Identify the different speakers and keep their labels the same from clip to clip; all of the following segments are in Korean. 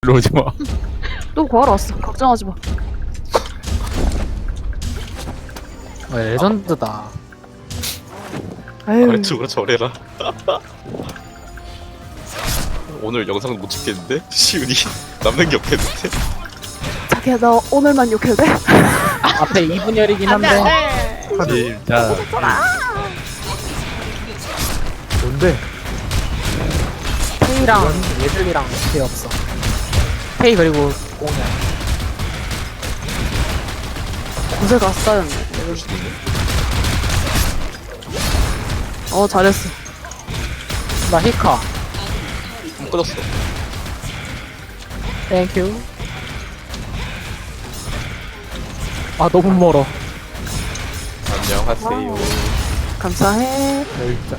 Speaker 1: 일로 오지 마.
Speaker 2: 또 구하러 왔어. 걱정하지 마.
Speaker 3: 레전드다.
Speaker 2: 아유,
Speaker 4: 아래쪽으로 저래라. 오늘 영상 못 찍겠는데? 시윤이 남는 게 없겠는데?
Speaker 2: 자기야 나 오늘만 욕해도 돼?
Speaker 3: 앞에 2분열이긴 한데.
Speaker 1: 진짜.
Speaker 5: 뭔데?
Speaker 3: 페이랑 예들이랑 페이 없어. 페이 그리고 공이야.
Speaker 2: 고세가 쌓였네. 잘했어.
Speaker 3: 나 히카.
Speaker 4: 꺼졌어.
Speaker 3: 땡큐. 아 너무 멀어.
Speaker 4: 안녕하세요.
Speaker 2: 감사해.
Speaker 5: 진짜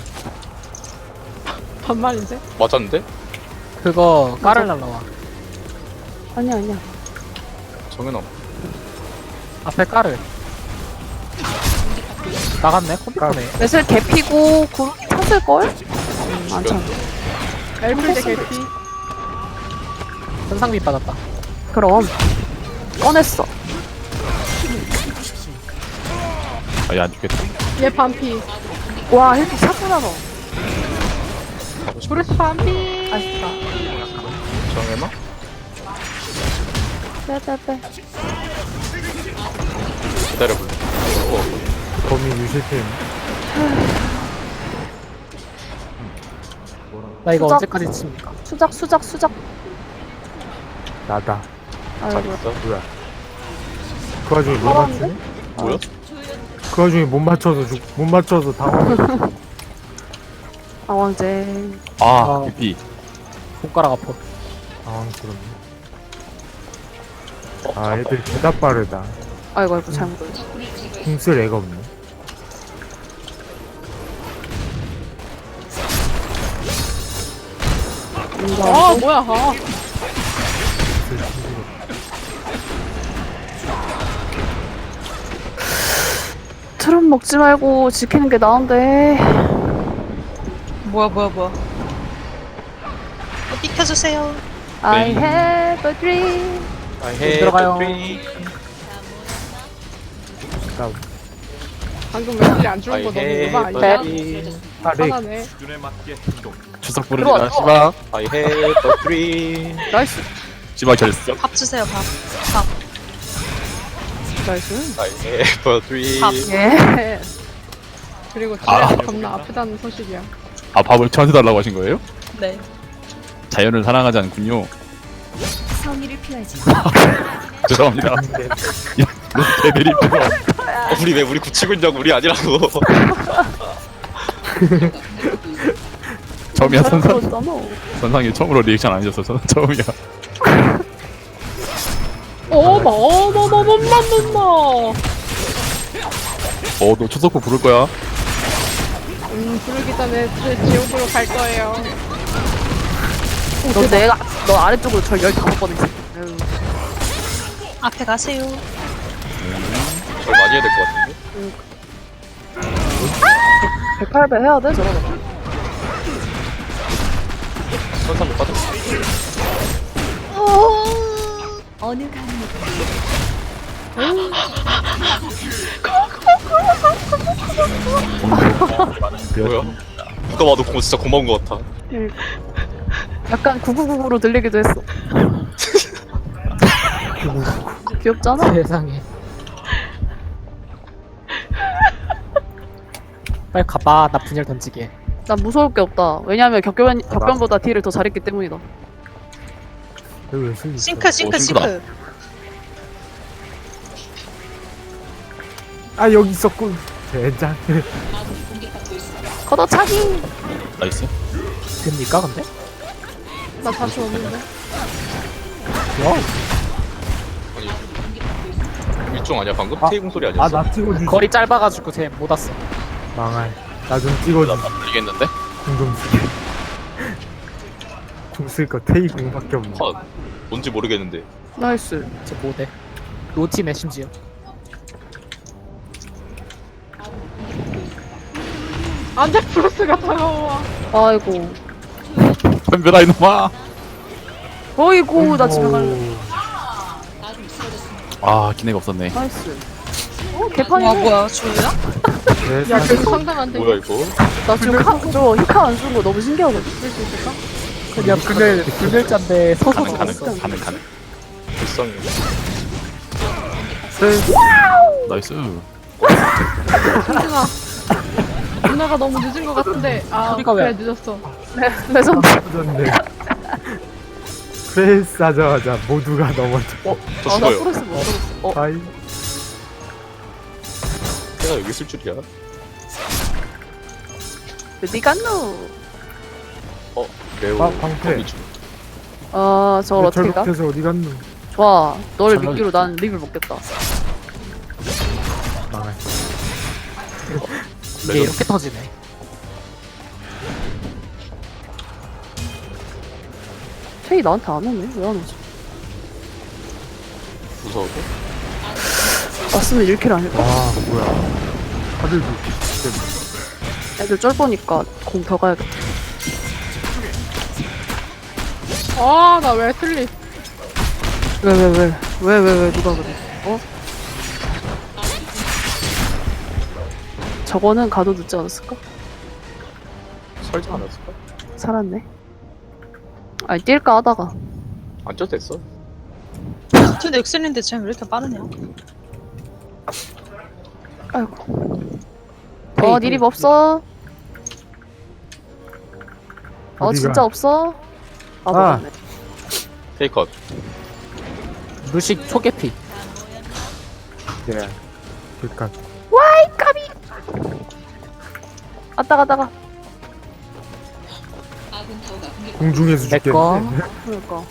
Speaker 2: 반말인데?
Speaker 4: 맞았는데?
Speaker 3: 그거 까를라 나와.
Speaker 2: 아니야 아니야.
Speaker 4: 정현아.
Speaker 3: 앞에 까를. 나갔네 컴퓨터네.
Speaker 2: 매슬 개피고 구름이 탔을걸? 안 찼네.
Speaker 6: 엘플드 개피.
Speaker 3: 현상비 받았다.
Speaker 2: 그럼 꺼냈어.
Speaker 1: 아, 얘안 죽겠다.
Speaker 6: 얘 반피.
Speaker 2: 와 이렇게 찼구나 너.
Speaker 6: 브루스 반피.
Speaker 2: 아쉽다.
Speaker 4: 정현아?
Speaker 2: 빼빼빼.
Speaker 4: 기다려볼래?
Speaker 5: 범인 유실템.
Speaker 3: 나 이거
Speaker 2: 수작.
Speaker 3: 언제까지 칩니까?
Speaker 2: 수작.
Speaker 5: 나다.
Speaker 4: 잘
Speaker 2: 아이고.
Speaker 4: 있어?
Speaker 5: 뭐야? 그 와중에 못
Speaker 2: 살았는데?
Speaker 5: 맞추네?
Speaker 4: 뭐야?
Speaker 5: 그 와중에 못 맞춰서 당황.
Speaker 2: 왕제.
Speaker 1: 아, BP.
Speaker 3: 손가락 아파.
Speaker 5: 당황스럽네. 아, 애들 개다 빠르다.
Speaker 2: 아이고 잘못.
Speaker 5: 궁쓸 애가 없네.
Speaker 6: 아 뭐야? 아.
Speaker 2: 트럼 먹지 말고 지키는 게 나은데.
Speaker 7: 뭐야. 비켜주세요.
Speaker 2: I have a dream.
Speaker 4: I had
Speaker 3: 들어가요.
Speaker 4: a dream.
Speaker 5: 다운.
Speaker 6: 방금 웨슬리 안 죽은
Speaker 4: I
Speaker 6: 거 너무
Speaker 4: had
Speaker 6: 오바
Speaker 4: a
Speaker 6: 아니야?
Speaker 4: dream.
Speaker 5: 아, 렉.
Speaker 6: 화나네.
Speaker 1: 추석 부르지마, 씨발.
Speaker 4: I had a dream.
Speaker 2: 나이스.
Speaker 1: 씨발 결승.
Speaker 7: 밥 주세요, 밥.
Speaker 2: 나이스.
Speaker 4: I have a dream.
Speaker 2: 예.
Speaker 6: 그리고
Speaker 1: 아.
Speaker 6: 진짜 겁나 아프다는 소식이야.
Speaker 1: 아, 밥을 저한테 달라고 하신 거예요?
Speaker 7: 네.
Speaker 1: 자연을 사랑하지 않군요.
Speaker 7: 성의를 피하지.
Speaker 1: 죄송합니다. 애들이
Speaker 4: 우리 굳히고 있냐고, 우리 아니라고.
Speaker 1: 처음이야,
Speaker 2: 그렇잖아.
Speaker 1: 선상이 처음으로 리액션 안 해줬어. 저는 처음이야.
Speaker 6: 어머.
Speaker 1: 너 추석부 부를 거야?
Speaker 6: 부르기 전에 지옥으로 갈 거예요.
Speaker 2: 너 아래쪽으로 절 15번 했어.
Speaker 7: 앞에 가세요.
Speaker 4: 절 많이 해야 될 것 같은데?
Speaker 2: 108배 해야 돼 저러다.
Speaker 4: 선상도 빠졌어.
Speaker 7: 어느 강이
Speaker 4: 뭐야? 누가 봐도 그거 진짜 고마운 것 같아.
Speaker 2: 약간 9999로 들리기도 했어. 귀엽잖아?
Speaker 3: 세상에. 빨리 가봐. 나 분열 던지게.
Speaker 2: 난 무서울 게 없다. 왜냐면 격변보다 딜을 더 잘했기 때문이다.
Speaker 5: 여기 왜 슬리?
Speaker 7: 싱크.
Speaker 1: 싱크다.
Speaker 5: 아, 여기 있었군. 젠장.
Speaker 2: 걷어차기!
Speaker 1: 나이스.
Speaker 3: 됩니까 근데?
Speaker 6: 나 다시 오는데.
Speaker 3: 와.
Speaker 4: 아니, 일종 아니야 방금?
Speaker 5: 아.
Speaker 4: 테이블 소리
Speaker 5: 아,
Speaker 4: 아니었어?
Speaker 5: 나 찍어주지.
Speaker 3: 거리 짧아가지고 쟤 못 왔어.
Speaker 5: 망할. 나 좀 찍어주지.
Speaker 1: 나 걸리겠는데?
Speaker 5: 궁좀 쓰게. 궁 쓸 거 테이 궁밖에 없네.
Speaker 4: 컷. 뭔지 모르겠는데.
Speaker 2: 나이스.
Speaker 3: 쟤 못해. 로팀에 심지어.
Speaker 6: 안돼 브루스가 다가와.
Speaker 2: 아이고.
Speaker 1: 덤벼라 이놈아.
Speaker 2: 어이구 나 집에 갈래.
Speaker 1: 아 기내가 없었네.
Speaker 2: 나이스.
Speaker 7: 와
Speaker 2: 개판이네.
Speaker 7: 뭐야 주야?
Speaker 5: 네,
Speaker 6: 야,
Speaker 5: 사실
Speaker 6: 그거 상당한데.
Speaker 4: 뭐야 이거?
Speaker 2: 나 지금 저 히카 안 쓴 거 너무 신기하거든.
Speaker 6: 쓸 수 있을까?
Speaker 3: 그냥 그늘잔데 서서
Speaker 1: 가능
Speaker 3: 죽었어.
Speaker 1: 가능.
Speaker 4: 불쌍해.
Speaker 1: 나이스.
Speaker 6: 승준아. 누나가 너무 늦은 것 같은데. 아,
Speaker 3: 소리가
Speaker 6: 그래,
Speaker 3: 왜?
Speaker 6: 늦었어.
Speaker 2: 레전드.
Speaker 5: 터졌네. 프레스 하자마자 모두가 넘어져.
Speaker 4: 저
Speaker 2: 아나
Speaker 4: 죽어요.
Speaker 2: 프레스 못 들었어.
Speaker 5: 아이,
Speaker 4: 내가 여기 있을 줄이야.
Speaker 2: 어디 갔노?
Speaker 4: 매우
Speaker 5: 방패.
Speaker 4: 거미 중.
Speaker 2: 아 저걸 어떻게 가?
Speaker 5: 절벽해서 어디 갔노?
Speaker 2: 좋아. 너를
Speaker 1: 잘
Speaker 2: 믿기로 난 립을 먹겠다.
Speaker 5: 망할.
Speaker 3: 이게 이렇게 터지네.
Speaker 2: 체이 나한테 안 오네. 왜 안 오지?
Speaker 4: 무서워.
Speaker 2: 왔으면 1킬 아닐까?
Speaker 5: 와, 뭐야. 하늘도.
Speaker 2: 애들 쫄보니까 공 더 가야겠다.
Speaker 6: 아, 나 왜 틀리?
Speaker 2: 왜 누가 그래? 어? 저거는 가도 늦지 않았을까?
Speaker 4: 설지 않았을까?
Speaker 2: 살았네. 아니 뛸까 하다가
Speaker 4: 안 쪄도 됐어.
Speaker 7: 저 넥슨인데 쟤왜 이렇게 빠르냐?
Speaker 2: 아이고.
Speaker 3: 페이크.
Speaker 2: 니립 없어?
Speaker 5: 어디가?
Speaker 2: 진짜 없어? 아
Speaker 5: 아.
Speaker 2: 먹었네.
Speaker 4: 테이컷.
Speaker 3: 루식 초계피.
Speaker 5: 네. 그니까.
Speaker 2: 아따가다가.
Speaker 5: 공중에서
Speaker 3: 내 거.
Speaker 5: 죽겠네.
Speaker 2: 그러니까.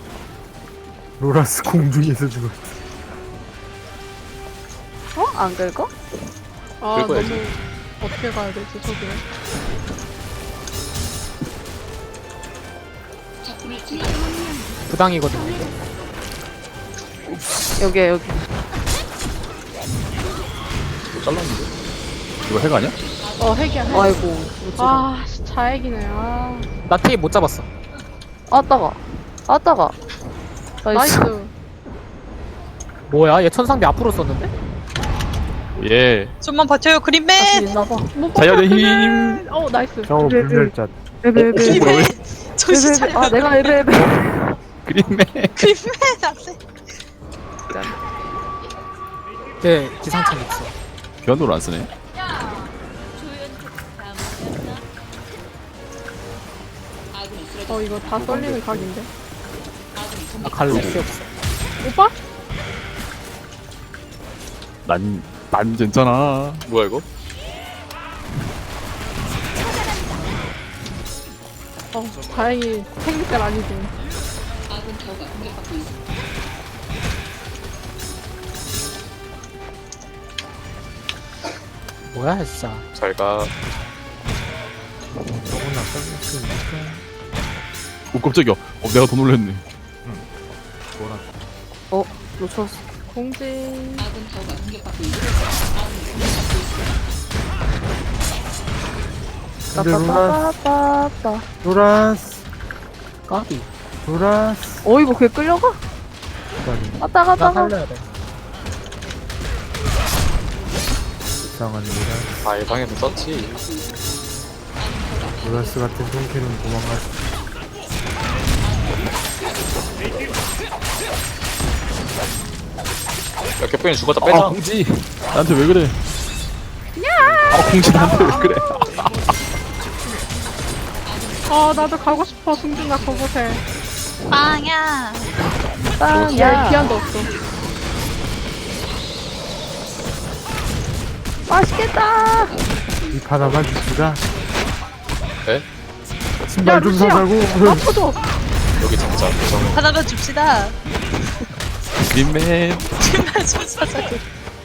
Speaker 5: 로라스 공중에서 죽었어.
Speaker 2: 어? 안 긁어?
Speaker 6: 아, 너무.
Speaker 4: 긁어야지.
Speaker 6: 어떻게 가야 되지, 저기는?
Speaker 3: 부당이거든요.
Speaker 2: 여기야 여기.
Speaker 4: 또 잘랐는데?
Speaker 1: 이거 해가 아니야?
Speaker 6: 핵이야, 핵.
Speaker 2: 아이고. 못 찍어.
Speaker 6: 아, 자핵이네, 아.
Speaker 3: 나 테이 못 잡았어.
Speaker 2: 아따가. 나이스.
Speaker 6: 나이스.
Speaker 3: 뭐야? 얘 천상비 앞으로 썼는데?
Speaker 1: 예.
Speaker 7: 좀만 버텨요
Speaker 2: 자신
Speaker 7: 그린맨.
Speaker 2: 있나봐.
Speaker 1: 자연의 힘.
Speaker 6: 나이스.
Speaker 5: 저거 불멸자.
Speaker 2: 에베.
Speaker 7: 그린맨. 정신 차려.
Speaker 2: 아 내가 에베.
Speaker 1: 그림매.
Speaker 7: 그린맨 안돼.
Speaker 3: 네, 기상청 있어.
Speaker 1: 변도를 안 쓰네.
Speaker 6: 이거 다 썰리는 각인데.
Speaker 3: 나 갈래. 필요 없어.
Speaker 6: 오빠?
Speaker 1: 난 괜찮아.
Speaker 4: 뭐야 이거?
Speaker 6: 다행히 생리깔 아니지.
Speaker 3: 뭐야, 진짜.
Speaker 4: 잘 가.
Speaker 5: 저거나 써줄 수 있을까?
Speaker 1: 오 깜짝이야. 내가 더 놀랬네.
Speaker 2: 놓쳤어.
Speaker 6: 공지.
Speaker 5: 근데 로라스,
Speaker 2: 따따따따따.
Speaker 5: 로라스,
Speaker 3: 까비.
Speaker 5: 로라스.
Speaker 2: 어이구 걔 끌려가?
Speaker 5: 기다려.
Speaker 3: 나
Speaker 2: 아따가다가.
Speaker 3: 살려야 돼.
Speaker 5: 이상한 로라스.
Speaker 4: 아 예방에도 썼지.
Speaker 5: 로라스 같은 손캐는 도망갔어.
Speaker 4: 야 개병이 죽었다
Speaker 1: 아
Speaker 4: 빼자.
Speaker 1: 공지. 나한테 왜 그래? 아 공지 나한테 왜 그래?
Speaker 6: 나도 가고 싶어, 승준아, 그곳에.
Speaker 7: 빵야.
Speaker 6: 야, 기한도 없어.
Speaker 2: 맛있겠다.
Speaker 5: 이 하나만 줍시다.
Speaker 4: 네?
Speaker 5: 신발 좀
Speaker 6: 루시야.
Speaker 5: 사자고.
Speaker 6: 아파줘.
Speaker 4: 여기 잡자. 고정.
Speaker 7: 하나만 줍시다.
Speaker 1: 그림맨.
Speaker 7: 정말 좀 사자고.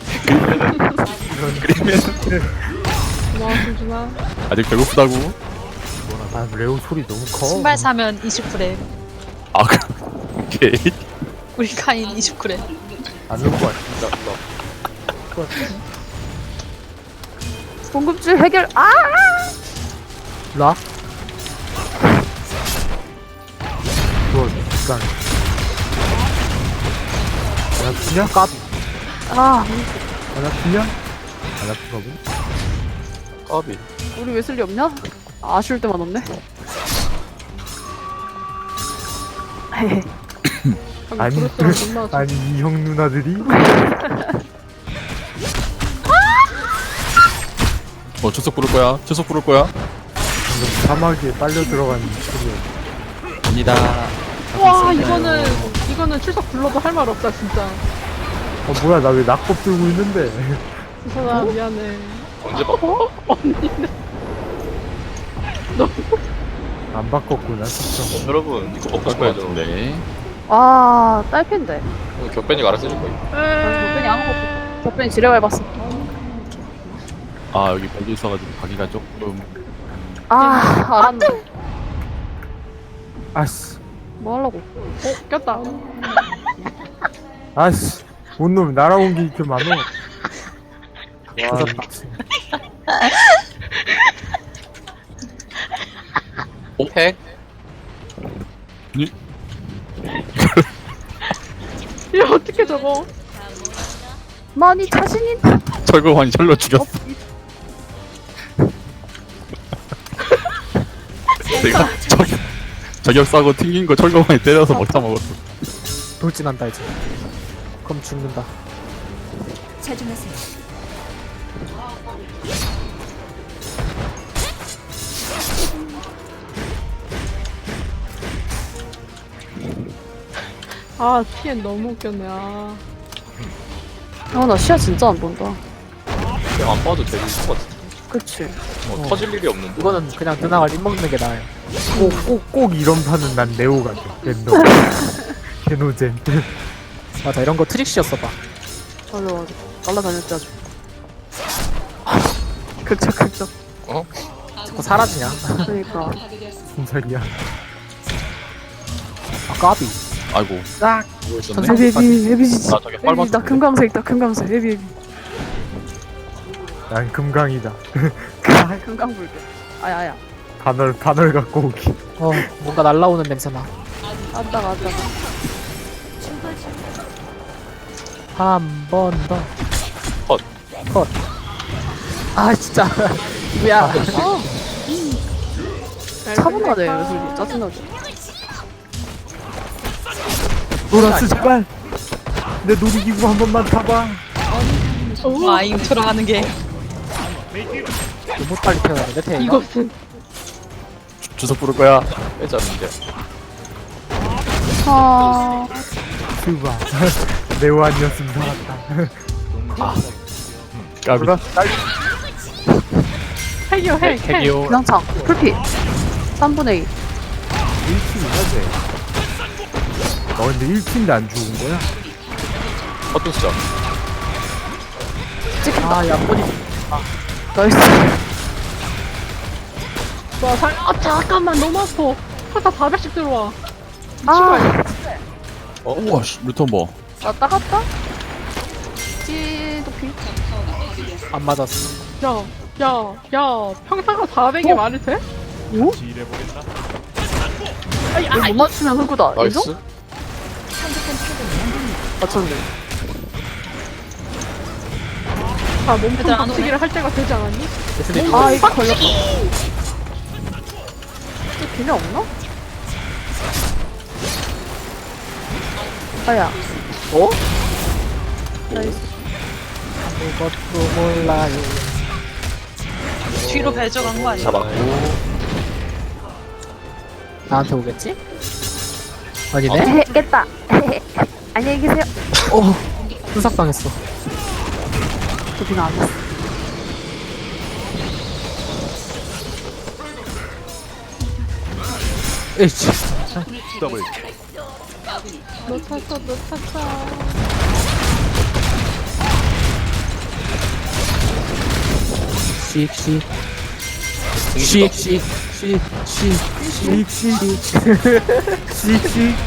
Speaker 1: 그림맨.
Speaker 6: 고마워, 승준아.
Speaker 1: 아직 배고프다고?
Speaker 5: 아, 레오 소리 너무 커.
Speaker 7: 신발 사면 20g.
Speaker 1: 아 오케이.
Speaker 7: 우리 카인 20g.
Speaker 5: 안올 것 같아.
Speaker 2: 공급줄 해결. 아!
Speaker 3: 라?
Speaker 5: 뭐, 불쌍해. 안 아프냐?
Speaker 2: 아,
Speaker 5: 안 아프냐? 안 아프거든?
Speaker 4: 까비.
Speaker 2: 우리 웨슬리 없냐? 아쉬울 때만 없네. 헤헤.
Speaker 5: 아니,
Speaker 6: 브루스랑 못 나왔어.
Speaker 5: 아니 이 형 누나들이
Speaker 1: 출석 부를 거야. 출석 부를 거야.
Speaker 5: 방금 사막에 빨려 들어간 소리야.
Speaker 1: 갑니다.
Speaker 6: 와, 이거는 출석 불러도 할 말 없다, 진짜.
Speaker 5: 뭐야 나 왜 낙법 들고 있는데?
Speaker 6: 수선아, 미안해.
Speaker 4: 언제 봐?
Speaker 5: 안 바꿨구나 진짜.
Speaker 4: 여러분 이거 먹고 싶어야죠.
Speaker 1: 네.
Speaker 2: 아, 딸핀데.
Speaker 4: 격변이가 알아서 해줄 거예요.
Speaker 2: 격변이 아무것도. 격변이 지뢰 밟았어.
Speaker 1: 아 여기 밴드 있어가지고 가기가 조금.
Speaker 2: 아, 알았네.
Speaker 5: 아씨
Speaker 2: 뭐 하려고?
Speaker 6: 꼈다.
Speaker 5: 아씨 온놈 날아온 게 이렇게 많어. 와
Speaker 4: 핵?
Speaker 6: 이거 어떻게 저거?
Speaker 2: 많이 자신인.
Speaker 1: 철거환이 철로 죽였어. 내가 저격 싸고 튕긴 거 철거환이 때려서 먹다 먹었어.
Speaker 3: 돌진한다 이제. 그럼 죽는다.
Speaker 6: 아, TN 너무 웃겼네. 아.
Speaker 2: 아, 나 시야 진짜 안 본다.
Speaker 4: 그냥 안 봐도 되는 것 같은데.
Speaker 2: 그치.
Speaker 4: 터질 일이 없는데.
Speaker 3: 이거는 그냥 누나가 립 먹는 게 나아요.
Speaker 5: 꼭 이런 판은 난 네오 같아. 랜덤. 개노젠.
Speaker 3: 맞아, 이런 거 트릭시였어 봐.
Speaker 2: 맞아, 맞아. 날라다닐 때 아주. 극적.
Speaker 3: 자꾸 사라지냐?
Speaker 2: 그러니까.
Speaker 5: 무슨 소리야?
Speaker 3: 아, 까비.
Speaker 1: 아이고.
Speaker 3: 딱.
Speaker 4: 뭐 있었네?
Speaker 2: 에비, 에비지.
Speaker 1: 나 저게 빨갛.
Speaker 2: 나 금강색이다, 금강색. 에비.
Speaker 5: 난 금강이다.
Speaker 2: 금강불교. 아야.
Speaker 5: 단월 갖고 오기.
Speaker 3: 뭔가 날라오는 냄새나.
Speaker 2: 왔다가.
Speaker 3: 한 번 더.
Speaker 4: 컷.
Speaker 3: 컷. 아, 진짜. 뭐야.
Speaker 2: 차분하네, 웨슬리. 짜증나게.
Speaker 5: 노라스 제발. 내 놀이기구 한 번만 타봐.
Speaker 7: 아 인트로 하는 게
Speaker 3: 너무 빨리 태어나는데, 태가.
Speaker 6: 이것은.
Speaker 1: 주석 부를 거야.
Speaker 4: 빼자는데.
Speaker 2: 아,
Speaker 5: 스바. 네오 아니었으면 살았다.
Speaker 1: 까비.
Speaker 6: 핵이요, 핵.
Speaker 3: 핵이요.
Speaker 2: 그냥창. 풀피. 3분의 2.
Speaker 5: 1팀이야 쟤. 너 근데 1팀인데 안 죽은 거야?
Speaker 4: 어떤 시작?
Speaker 2: 찍힌다.
Speaker 3: 아, 야, 꼬리.
Speaker 2: 나이스.
Speaker 6: 아, 잠깐만, 너무 아파. 화사 400씩 들어와.
Speaker 2: 아,
Speaker 1: 우와 씨 루턴 뭐.
Speaker 2: 왔다 갔다? 찌도피.
Speaker 3: 안 맞았어.
Speaker 6: 야, 평타가 400이 말이 돼?
Speaker 2: 오? 이거 못 맞추면 흑구다. 인정?
Speaker 4: 나이스.
Speaker 2: 맞췄네.
Speaker 6: 자, 몸통
Speaker 7: 얘들아, 안 오네.
Speaker 6: 박치기를 할 때가 되지 않았니?
Speaker 3: 예슬이
Speaker 2: 아, 이거 걸렸다. 이게 기능 없나? 아야.
Speaker 3: 어?
Speaker 2: 나이스.
Speaker 3: 아무것도 몰라요.
Speaker 7: 뒤로 배져간 거 아니야?
Speaker 4: 잡았고.
Speaker 3: 나한테 오겠지? 아니네?
Speaker 2: 헤헤, 깼다. 헤헤. 안녕히 계세요.
Speaker 3: 순삭당했어.
Speaker 2: 도피가 안 했어.
Speaker 3: 에이씨.
Speaker 6: 너 탔어.
Speaker 3: 씩씩. 씩씩.
Speaker 5: 씩씩.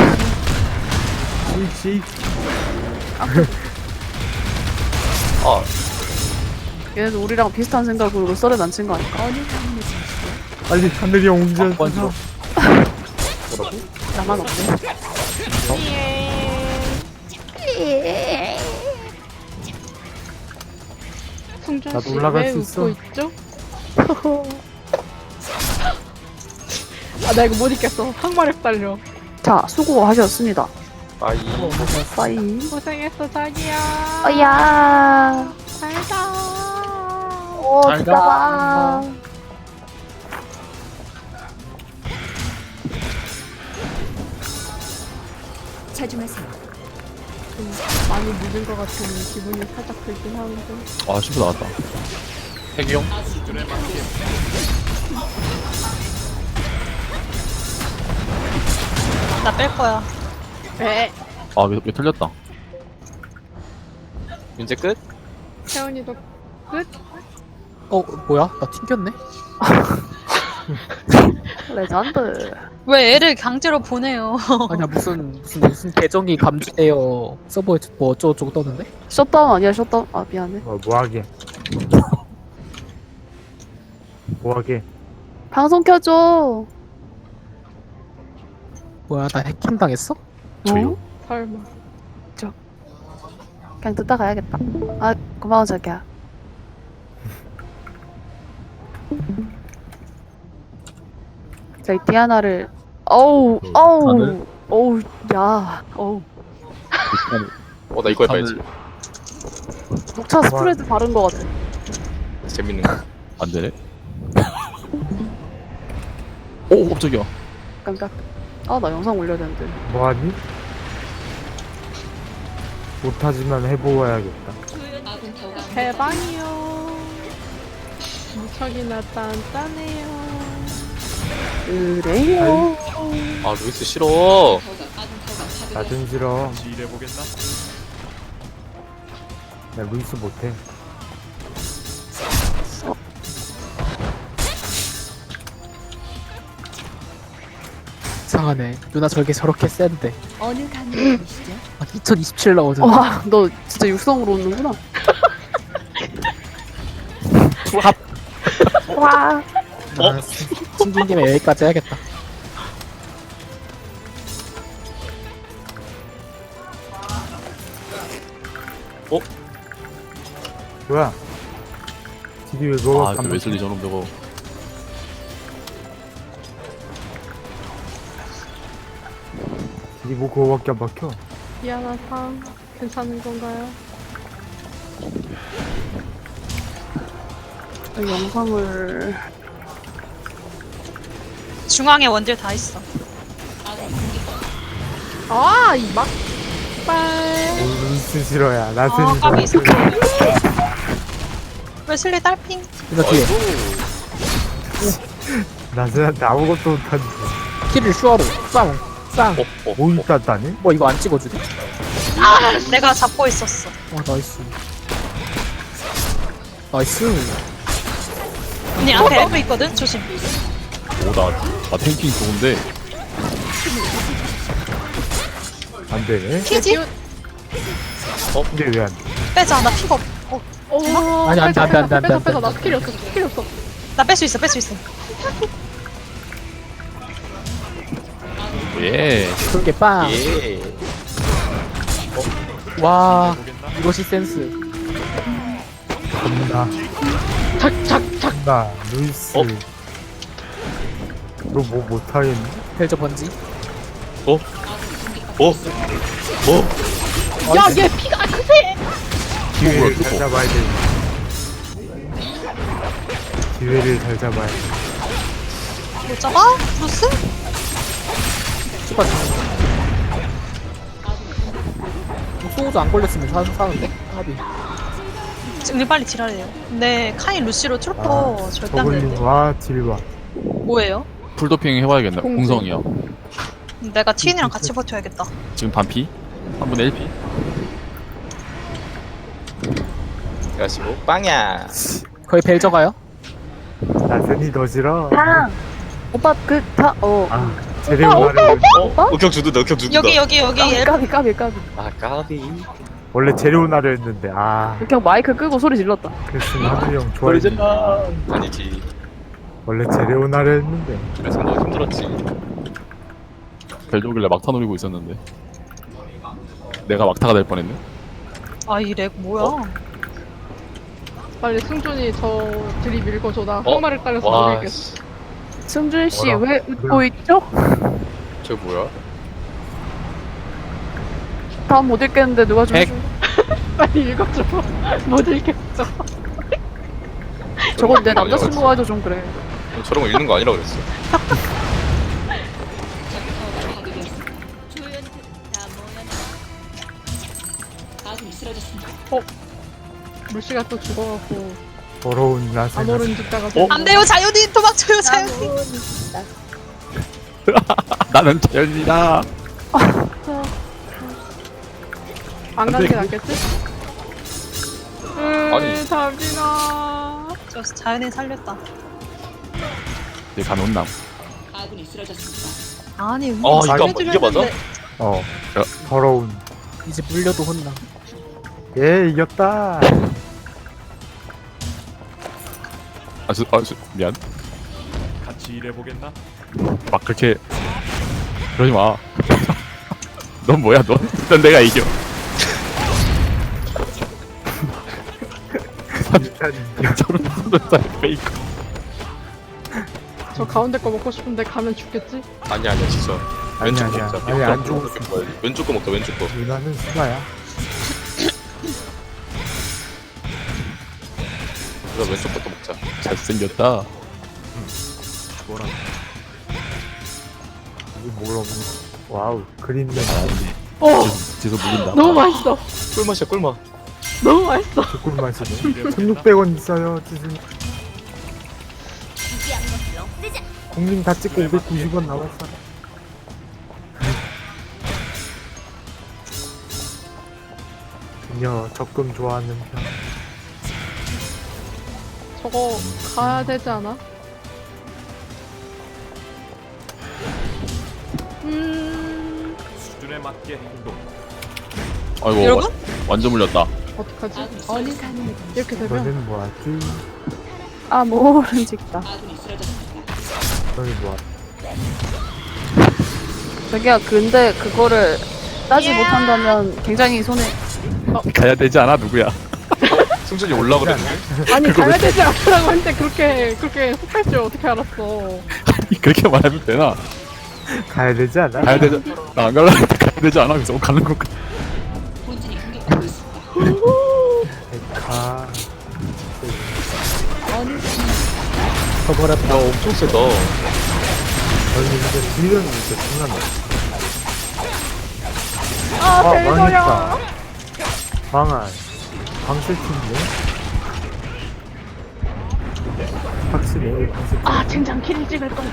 Speaker 4: 아,
Speaker 2: 얘네도 우리랑 비슷한 생각으로 썰에 난친 거 아닐까?
Speaker 5: 빨리 하늘이 형 운전.
Speaker 3: 먼저.
Speaker 4: 뭐라고?
Speaker 2: 나만 없네.
Speaker 6: 승준
Speaker 5: 나도
Speaker 6: 씨
Speaker 5: 올라갈
Speaker 6: 왜
Speaker 5: 수 있어.
Speaker 6: 웃고 있죠? 아 나 이거 못 읽겠어. 항마력 달려.
Speaker 2: 자, 수고하셨습니다.
Speaker 4: 아이
Speaker 2: 빠이.
Speaker 6: 고생했어 자기야.
Speaker 2: 어야.
Speaker 6: 잘가.
Speaker 2: 오,
Speaker 3: 잘
Speaker 2: 진짜
Speaker 3: 가.
Speaker 2: 봐.
Speaker 6: 많이 늦은 것 같은 기분이 살짝 들긴 하는데.
Speaker 1: 아 신부 나왔다.
Speaker 4: 핵용
Speaker 7: 나 뺄 거야.
Speaker 6: 에
Speaker 1: 아왜 틀렸다.
Speaker 4: 문제 끝?
Speaker 6: 태훈이도 끝?
Speaker 3: 뭐야? 나 튕겼네?
Speaker 2: 레전드.
Speaker 7: 왜 애를 강제로 보내요?
Speaker 3: 아니야, 무슨 계정이 감지되어 서버에 뭐 어쩌고저쩌고 떴는데?
Speaker 2: 셧다운 아니야, 셧다운. 아, 미안해.
Speaker 5: 뭐하게. 뭐하게.
Speaker 2: 방송 켜줘.
Speaker 3: 뭐야, 나 해킹 당했어?
Speaker 1: 저요?
Speaker 6: 설마.
Speaker 2: 그냥 듣다 가야겠다. 아, 고마워, 자기야. 저희 디아나를, 어우,
Speaker 1: 다들?
Speaker 2: 어우, 야, 어우.
Speaker 4: 나 이거 해봐야지.
Speaker 2: 녹차 스프레드 바른 거 같아.
Speaker 4: 재밌는 거.
Speaker 1: 안 되네. 오 깜짝이야.
Speaker 2: 깜짝. 아, 나 영상 올려야 되는데.
Speaker 5: 뭐하니? 못하지만 해보아야겠다.
Speaker 6: 대박이요. 무척이나 딴딴해요.
Speaker 2: 그래요.
Speaker 4: 아 루이스 싫어.
Speaker 5: 나좀 싫어. 나 루이스 못해.
Speaker 3: 이상하네. 누나 저렇게 센데. 어느 강의이시죠? 2027 나오잖아.
Speaker 2: 와, 너 진짜 육성으로 오는구나.
Speaker 3: 부합.
Speaker 2: 와.
Speaker 3: 튕긴 김에 여기까지 해야겠다.
Speaker 5: 뭐야? 딜이 왜 그거
Speaker 1: 아그 웨슬리 저놈 저거.
Speaker 5: 딜이 뭐 그거밖에 안 박혀?
Speaker 6: 디아나 상 괜찮은 건가요?
Speaker 2: 영상을.
Speaker 7: 중앙에 원딜 다 있어.
Speaker 6: 아, 이 막. 빨.
Speaker 5: 루이스 싫어야. 나스니
Speaker 7: 까비 있어.
Speaker 5: 싫어.
Speaker 7: 웨슬리 딸핑.
Speaker 3: 누나 뒤에.
Speaker 5: 나스한테 아무것도 못하는데.
Speaker 3: 키를 슈어로. 쌍. 쌍.
Speaker 5: 뭐 있다다니?
Speaker 3: 뭐 이거 안 찍어주네?
Speaker 7: 내가 잡고 있었어.
Speaker 3: 와, 나이스. 나이스.
Speaker 7: 언니 앞에 엘프 있거든? 조심.
Speaker 1: 오나 탱킹 좋은데.
Speaker 5: 안 되네.
Speaker 7: 키지?
Speaker 5: 근데 왜 안 돼?
Speaker 7: 빼자. 나 피가 없.
Speaker 6: 오.
Speaker 3: 아니, 안 돼, 안 돼, 안 돼, 안 돼,
Speaker 6: 빼서
Speaker 3: 안 돼,
Speaker 6: 빼서
Speaker 3: 안
Speaker 6: 나
Speaker 3: 돼.
Speaker 6: 스킬이 없어. 스킬이 없어.
Speaker 7: 나 뺄 수 있어. 뺄 수 있어.
Speaker 1: 예.
Speaker 3: 그렇게 빵.
Speaker 4: 예.
Speaker 3: 와, 이것이 센스.
Speaker 5: 겁나. 나 루이스. 너 뭐 못하겠니?
Speaker 3: 벨저 번지.
Speaker 6: 야, 얘 피가 크세.
Speaker 5: 기회를 잘 잡아야 돼. 기회를 잘 잡아야 돼.
Speaker 7: 못 잡아? 루스?
Speaker 3: 추가 소우도 안 걸렸으면 사는데? 합이.
Speaker 7: 우리 빨리 딜하래요. 근데 카인 루시로 트루퍼 절대 안 되는데.
Speaker 5: 저글링과 딜과.
Speaker 7: 뭐예요?
Speaker 1: 풀도핑 해봐야겠네. 공성이야.
Speaker 7: 내가 TN이랑 같이 버텨야겠다.
Speaker 1: 지금 반피. 3분의 1피.
Speaker 4: 그래가지고 빵야.
Speaker 3: 거의 벨저 가요?
Speaker 5: 나스니 너 싫어.
Speaker 2: 탕. 오빠
Speaker 5: 아, 재료나를
Speaker 4: uk형 주는데 uk형 주는다.
Speaker 7: 여기 엘프.
Speaker 2: 까비.
Speaker 4: 아 까비.
Speaker 5: 원래 재료나를 했는데
Speaker 2: 그냥 마이크 끄고 소리 질렀다.
Speaker 5: 그랬으면 하늘이 형 좋아했지.
Speaker 4: 아니지.
Speaker 5: 원래 재료나를 했는데
Speaker 4: 그래서 너 힘들었지.
Speaker 1: 벨조길래 막타 노리고 있었는데 내가 막타가 될 뻔했네.
Speaker 7: 아, 이 렉 뭐야?
Speaker 6: 빨리 승준이 저 드립 읽어줘. 나
Speaker 4: 어?
Speaker 6: 항마를 따라서
Speaker 4: 와,
Speaker 6: 노릴겠어.
Speaker 4: 씨.
Speaker 2: 승준 씨
Speaker 5: 뭐라?
Speaker 2: 왜 웃고 있죠?
Speaker 4: 저 뭐야?
Speaker 2: 다음 못 읽겠는데 누가 좀
Speaker 3: 백.
Speaker 2: 해줘.
Speaker 6: 빨리 읽어줘. 못 읽겠어.
Speaker 2: 저건 내 남자친구가 해도 좀 그래.
Speaker 4: 저런 거 읽는 거 아니라 그랬어.
Speaker 6: 루시가 또 죽어갖고
Speaker 5: 더러운 나세.
Speaker 6: 암호른 죽다가
Speaker 7: 안 돼요, 자연인! 도망쳐요, 자연인!
Speaker 1: 나는 자연이다.
Speaker 6: 안 가는 게 낫겠지?
Speaker 4: 아니.
Speaker 6: 잠시나.
Speaker 7: 저 자연인 살렸다.
Speaker 1: 이제 간온남.
Speaker 7: 아니,
Speaker 4: 이거 이게 맞아?
Speaker 5: 더러운.
Speaker 3: 이제 물려도 혼나.
Speaker 5: 예, 이겼다.
Speaker 1: 미안. 같이 일해보겠나? 막 그렇게 그러지 마. 넌 뭐야 넌? 넌 내가 이겨. 저런 페이커.
Speaker 6: 저 가운데 거 먹고 싶은데 가면 죽겠지?
Speaker 4: 아니야 진짜.
Speaker 5: 아니야,
Speaker 4: 왼쪽
Speaker 5: 아니야.
Speaker 4: 먹자.
Speaker 5: 아니, 안 죽었어.
Speaker 4: 왼쪽 거 먹자 왼쪽 거.
Speaker 5: 누나는 수가야.
Speaker 4: 그래서 왼쪽 것도 먹자.
Speaker 1: 잘생겼다.
Speaker 5: 이게 뭘 없는 거. 와우, 그린맨.
Speaker 6: 어!
Speaker 1: 지서 물린다.
Speaker 6: 너무 맛있어.
Speaker 4: 꿀맛이야 꿀맛.
Speaker 6: 너무 맛있어.
Speaker 5: 조금 마시네. 1600원 있어요, 지금. 공민 다 찍고 590원 남았어. 그녀 적금 좋아하는 편.
Speaker 6: 저거 가야 되지 않아?
Speaker 8: 수준에 맞게 행동.
Speaker 1: 아이고
Speaker 7: 여러분?
Speaker 1: 완전 물렸다.
Speaker 6: 어떡하지? 이렇게 되면
Speaker 5: 너는 뭐하지?
Speaker 2: 암호른 찍다.
Speaker 5: 너는 뭐하지?
Speaker 2: 자기야 근데 그거를 따지 못한다면 굉장히 손해.
Speaker 1: 가야 되지 않아 누구야?
Speaker 4: 승준이 올라 그랬는데.
Speaker 6: 아니 가야 되지 않으라고 했는데 그렇게 혹할 줄 어떻게 알았어?
Speaker 1: 그렇게 말하면 되나?
Speaker 5: 가야 되지 않아?
Speaker 1: 가야 되지. 나 안 갈라 했는데 가야 되지 않아? 그래서 가는 건가?
Speaker 5: 가.
Speaker 3: 저버렸다.
Speaker 4: 야 엄청 세다.
Speaker 5: 저는 이제 딜은 이제 중요한
Speaker 6: 아 대저야.
Speaker 5: 망했다. 망한. 방실팀인데? 확실히 방실팀.
Speaker 6: 아 젠장 킬 찍을 걸.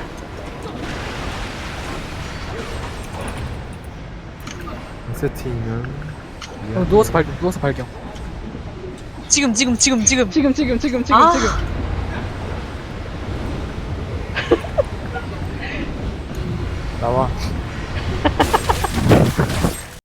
Speaker 5: 방실팀은
Speaker 3: 누워서 발견, 누워서 발견.
Speaker 7: 지금.
Speaker 6: 지금.
Speaker 7: 아.
Speaker 5: 나와.